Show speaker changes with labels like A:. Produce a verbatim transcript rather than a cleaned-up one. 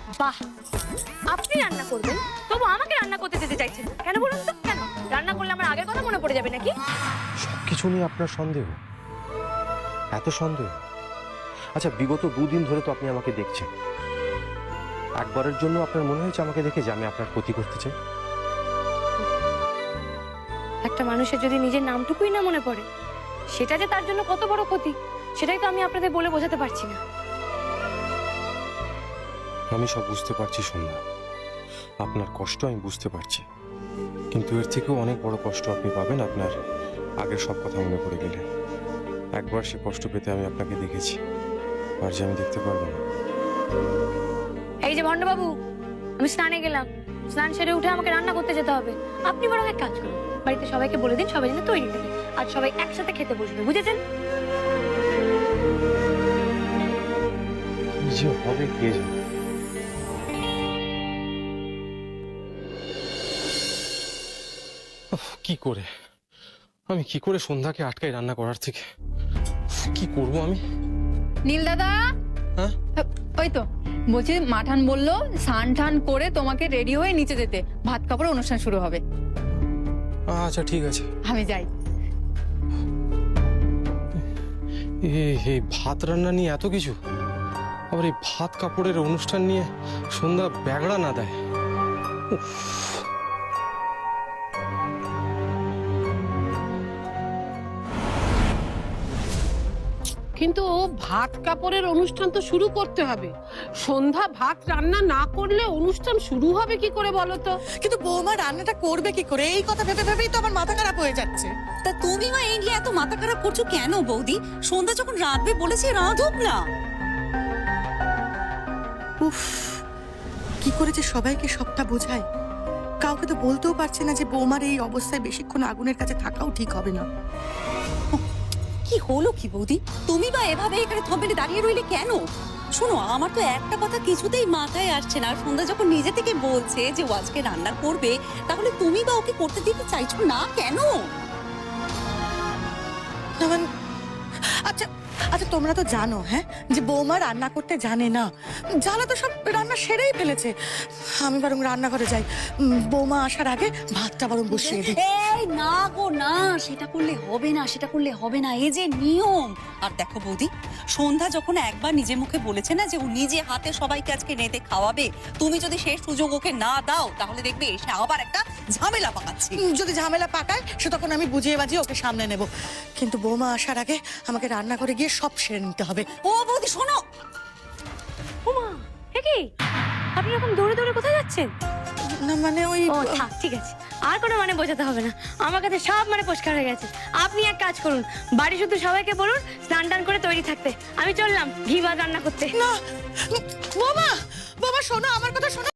A: বাহ, আপনি রান্না করবেন তবু আমাকে রান্না করতে যেতে চাইছেন না। কেন বলুন তো, কেন? রান্না করলে আমার আগের কথা মনে পড়ে যাবে নাকি?
B: সবকিছু নিয়ে আপনার সন্দেহ, এত সন্দেহ? আচ্ছা, বিগত দুদিন ধরে তো আপনি আমাকে দেখছেন, একবারের জন্য আপনার মনে হয়েছে আমাকে দেখে যে আমি আপনার ক্ষতি করতে চাই?
A: একটা মানুষের যদি নিজের নামটুকুই না মনে পড়ে, সেটা যে তার জন্য কত বড় ক্ষতি, সেটাই তো আমি আপনাদের বলে বোঝাতে পারছি না।
B: আমি সব বুঝতে পারছি সন্ধ্যা, আপনার কষ্ট আমি বুঝতে পারছি, কিন্তু এর থেকেও অনেক বড় কষ্ট আপনি পাবেন আপনার আগের সব কথা মনে পড়ে গেলে। একবার সে কষ্ট পেতে আমি আপনাকে দেখেছি, আর যে আমি দেখতে পারবো না।
A: এই যে ভণ্ডবাবু, আমি স্নানে গেলাম, স্নান সেরে উঠে আমাকে রান্না করতে যেতে হবে। আপনি বরং এক কাজ করুন, বাড়িতে সবাইকে বলে দিন সবাই যেন তৈরি থাকে, আর সবাই একসাথে খেতে বসবে, বুঝেছেন?
B: কি যে হবে কে জানে। উফ, কি করে আমি কি করে সন্ধ্যাকে আটকাই রান্না করার থেকে? উফ, কি করব আমি?
C: নীল দাদা,
B: হ্যাঁ,
C: ওই তো বলছি, মাঠান বললো স্নান টান করে তোমাকে রেডি হয়ে নিচে যেতে, ভাত কাপড় অনুষ্ঠান শুরু হবে।
B: আচ্ছা ঠিক আছে।
C: আমি যাই।
B: এই এই ভাত রান্না নিয়ে এত কিছু, আবার এই ভাত কাপড়ের অনুষ্ঠান নিয়ে সন্ধ্যা ব্যাগড়া না দেয়। উফ,
D: কিন্তু ভাত কাপড়ের অনুষ্ঠান তো শুরু করতে হবে। সন্ধ্যা ভাত রান্না না করলে অনুষ্ঠান শুরু হবে কি করে বলো তো?
E: কিন্তু বৌমা রান্নাটা করবে কি করে, এই কথা ভেবে ভেবেই তো আমার মাথা খারাপ হয়ে যাচ্ছে।
F: তা তুমি মা এই নিয়ে এত মাথা খারাপ করছো কেন বৌদি? সন্ধ্যা যখন রাঁধবে বলেছে রাঁধুক না।
E: উফ, কি করে যে সবাইকে সবটা বোঝায়। কাউকে তো বলতেও পারছে না যে বৌমার এই অবস্থায় বেশিক্ষণ আগুনের কাছে থাকাও ঠিক হবে না।
F: কি হলো কি বৌদি? তুমি বা এভাবে এখানে থমেলে দাঁড়িয়ে রইলে কেন? শোনো, আমার তো একটা কথা কিছুতেই মাথায় আসছে না। সন্ধ্যা যখন নিজে থেকে বলছে যে ও আজকে রান্না করবে, তাহলে তুমি বা ওকে করতে দিতে চাইছো না কেন?
E: না মানে, আচ্ছা আচ্ছা তোমরা তো জানো হ্যাঁ যে বৌমা রান্না করতে জানে না। জ্বালা তো সব রান্না সেরেই ফেলেছে। আমি বরং রান্নাঘরে যাই, উম, বৌমা আসার আগে ভাতটা বরং বসিয়ে দিই।
F: এই না গো না, সেটা করলে হবে না, সেটা করলে হবে না, এই যে নিয়ম। আর দেখো বৌদি, সন্ধ্যা যখন একবার নিজে মুখে বলেছে না যে ও নিজে হাতে সবাইকে আজকে রেঁধে খাওয়াবে, তুমি যদি সেই সুযোগ ওকে না দাও, তাহলে দেখবে এসে আবার একটা ঝামেলা পাকাচ্ছে।
E: উম, যদি ঝামেলা পাকায় সে তখন আমি বুঝিয়ে বাজিয়ে ওকে সামনে নেব, কিন্তু বৌমা আসার আগে আমাকে রান্না করে গিয়ে সব সেরে নিতে হবে।
F: ও বৌদি শোনো,
A: ওমা, এ কি? আপনি এরকম দৌড়ে দৌড়ে কোথায় যাচ্ছেন?
E: না মানে ওই
A: ও থাক, ঠিক আছে, আর কোনো মানে বোঝাতে হবে না, আমার কাছে সব মানে পরিষ্কার হয়ে গেছে। আপনি এক কাজ করুন, বাড়ি শুধু সবাইকে বলুন স্নান টান করে তৈরি থাকতে। আমি চললাম ঘি ভাত রান্না করতে।
E: না বৌমা, বৌমা শোনো, আমার কথা শোনো।